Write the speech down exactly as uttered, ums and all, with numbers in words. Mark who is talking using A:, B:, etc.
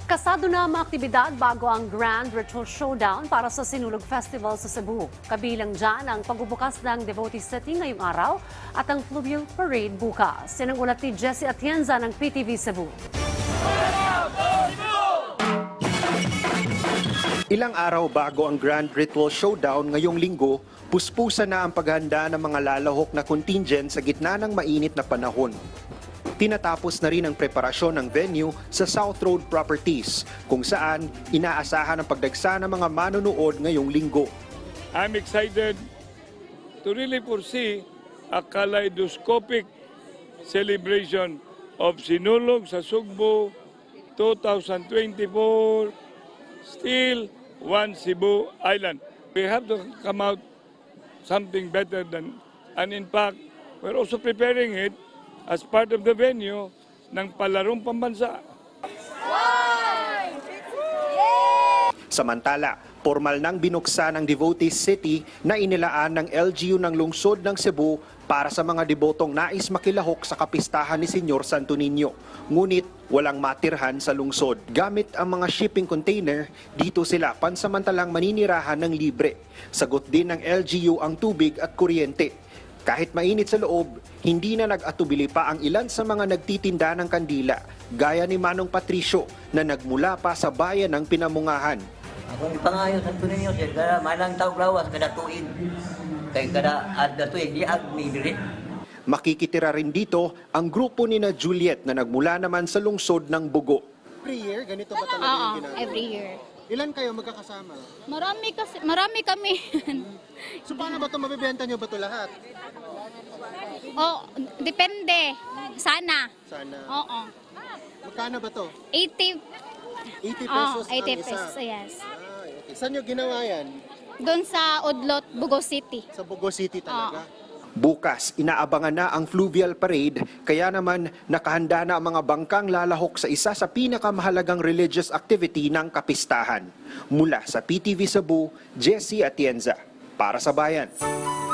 A: Kasado na ang mga aktibidad bago ang Grand Ritual Showdown para sa Sinulog Festival sa Cebu. Kabilang dyan ang pagbubukas ng Devotee City ngayong araw at ang Fluvial Parade bukas. Yan ang ulat ni Jessie Atienza ng P T V Cebu.
B: Ilang araw bago ang Grand Ritual Showdown ngayong linggo, puspusa na ang paghahanda ng mga lalahok na contingent sa gitna ng mainit na panahon. Tinatapos na rin ang preparasyon ng venue sa South Road Properties, kung saan inaasahan ang pagdagsa ng mga manonood ngayong linggo.
C: I'm excited to really foresee a kaleidoscopic celebration of Sinulog sa Sugbo twenty twenty-four, still one Cebu Island. We have to come out something better than, and in fact, we're also preparing it as part of the venue ng palarong pambansa.
B: Samantala, formal nang binuksan ang Devotee City na inilaan ng L G U ng lungsod ng Cebu para sa mga debotong nais makilahok sa kapistahan ni Senyor Santo Niño. Ngunit walang matirhan sa lungsod. Gamit ang mga shipping container, dito sila pansamantalang maninirahan ng libre. Sagot din ng L G U ang tubig at kuryente. Kahit mainit sa loob, hindi na nag-atubili pa ang ilan sa mga nagtitinda ng kandila, gaya ni Manong Patricio na nagmula pa sa bayan ng Pinamungahan.
D: Ako ipangayo sa tuninyo sir, kada malang tawag lawas, kada tuig. Kay kada adda tuig, di agni diri.
B: Makikitira rin dito ang grupo ni na Juliet na nagmula naman sa lungsod ng Bugo.
E: Every year, ganito ba talaga
F: Oo,
E: yung ginagawa?
F: every year.
E: Ilan kayo magkakasama?
F: Marami kasi, marami kami.
E: So paano ba ito, mabibenta nyo ba ito lahat?
F: Oh, depende. Sana.
E: Sana.
F: Oo.
E: Magkano ba ito?
F: eighty.
E: eighty
F: Oh,
E: pesos
F: eighty
E: ang isa.
F: pesos. Yes.
E: Ah, okay. Saan nyo ginawa yan?
F: Doon sa Udlot, Bugo City.
E: Sa Bugo City talaga?
B: Bukas, inaabangan na ang Fluvial Parade, kaya naman nakahanda na ang mga bangkang lalahok sa isa sa pinakamahalagang religious activity ng kapistahan. Mula sa P T V Cebu, Jessie Atienza, para sa Bayan.